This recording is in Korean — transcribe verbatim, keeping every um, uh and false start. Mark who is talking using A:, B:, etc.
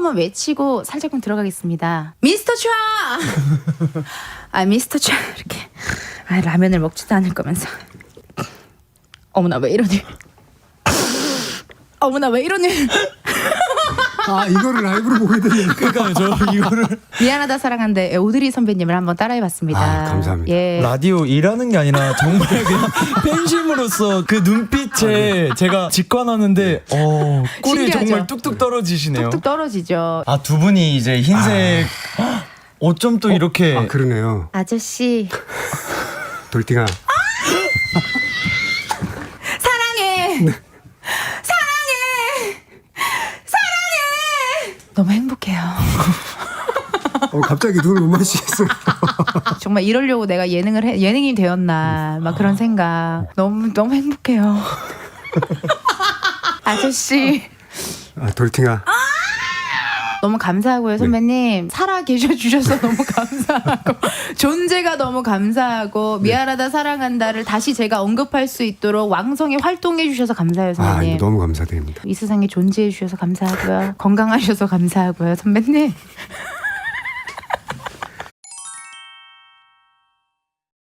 A: 한번 외치고 살짝만 들어가겠습니다. 미스터 차! 아 미스터 차 이렇게 아 라면을 먹지도 않을 거면서 어머나 왜 이러니 어머나 왜 이러니
B: 아 이거를 라이브로 보게 되네요.
C: 그러니까요, 저 이거를
A: 미안하다 사랑한데 오드리 선배님을 한번 따라해봤습니다.
B: 아, 감사합니다.
A: 예.
C: 라디오 일하는 게 아니라 정말 그냥 팬심으로서 그 눈빛에 제가 직관하는데 어 꿀이
A: 신기하죠?
C: 정말 뚝뚝 떨어지시네요.
A: 뚝뚝 떨어지죠.
C: 아, 두 분이 이제 흰색 어쩜 또 이렇게
B: 아 그러네요.
A: 아저씨
B: 돌팅아.
A: 사랑해 사랑해 사랑해 너무 행복해요.
B: 어, 갑자기 눈을 못 마시겠어요.
A: 정말 이러려고 내가 예능을 해, 예능이 되었나 막 그런 생각. 너무 너무 행복해요. 아저씨
B: 아 돌팅아.
A: 너무 감사하고요 선배님. 살아 계셔 주셔서 너무 감사하고 존재가 너무 감사하고 미안하다 사랑한다를 다시 제가 언급할 수 있도록 왕성히 활동해 주셔서 감사해요
B: 아
A: 선배님.
B: 이거 너무 감사드립니다.
A: 이 세상에 존재해 주셔서 감사하고요. 건강하셔서 감사하고요 선배님.